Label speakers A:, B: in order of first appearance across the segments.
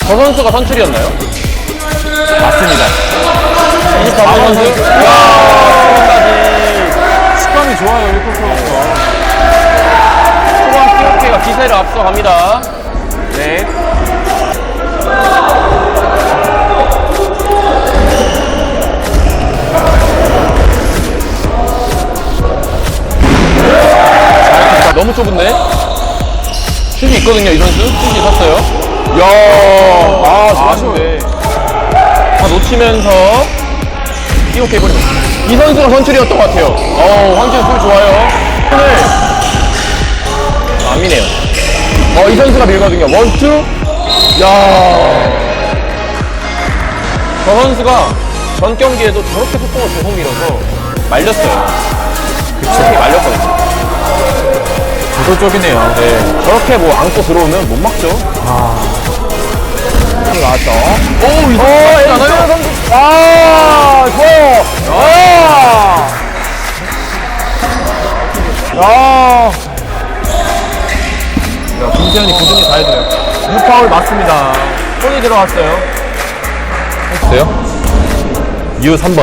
A: 저 선수가 선출이었나요?
B: 맞습니다.
A: 24번 선수. 이야,
B: 식감이 좋아요, 1쿼터 선수가.
A: 초반 POK가 기세를 앞서갑니다.
B: 네.
A: 너무 좁은데? 슛이 있거든요, 이 선수. 슛이 섰어요. 이야, 좋았는데. 다 놓치면서 POK 버리고. 이 선수가 선출이었던 것 같아요. 황지훈 볼 좋아요. 오늘 안 미네요. 이 선수가 밀거든요. 원투. 야, 저 선수가 전 경기에도 저렇게 속공을 계속 밀어서 말렸어요. 그렇게 말렸거든요.
B: 도적이네요.
A: 네, 저렇게 뭐 안고 들어오면 못 막죠.
B: 나왔죠.
A: 오, 이거
B: 에이스 선수. 좋아요.
A: 김재현이 꾸준히 잘 돼요.
B: 무파울 맞습니다. 손이 들어갔어요.
A: 됐어요? U 3번.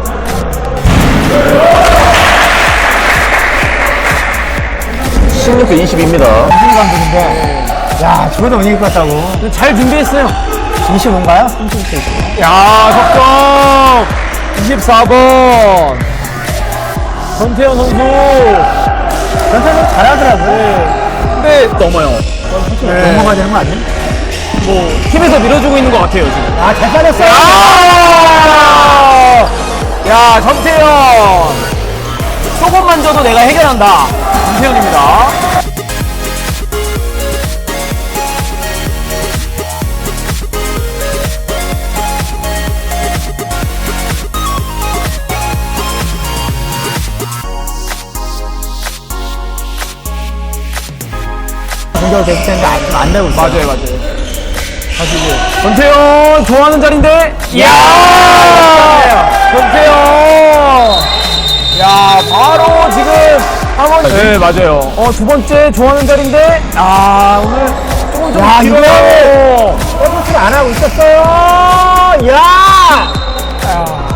A: 16대 22입니다.
C: 무슨 감독인데? 야, 저도 못 이길 것 같다고.
B: 잘 준비했어요.
C: 25인가요? 30대 있어요.
B: 야, 석점! 24번. 전태현 선수.
C: 전체는 잘하더라고요.
B: 근데 넘어요.
C: 넘어가야 되는 거 아니에요?
B: 팀에서 밀어주고 있는 것 같아요, 지금.
C: 아, 잘 빠졌어요.
B: 야, 전태현. 조금만 줘도 내가 해결한다. 전태현입니다.
C: 공격을 계속 되는데 안 되고 있어요.
B: 맞아요. 다시 이제 전태현 좋아하는 자리인데. 이야! 전태현. 야, 바로 지금 한 번. 네, 맞아요. 두 번째 좋아하는 자리인데. 오늘 조금 좀
C: 야,
B: 길어요.
C: 서비스를 안 하고 있었어요. 야!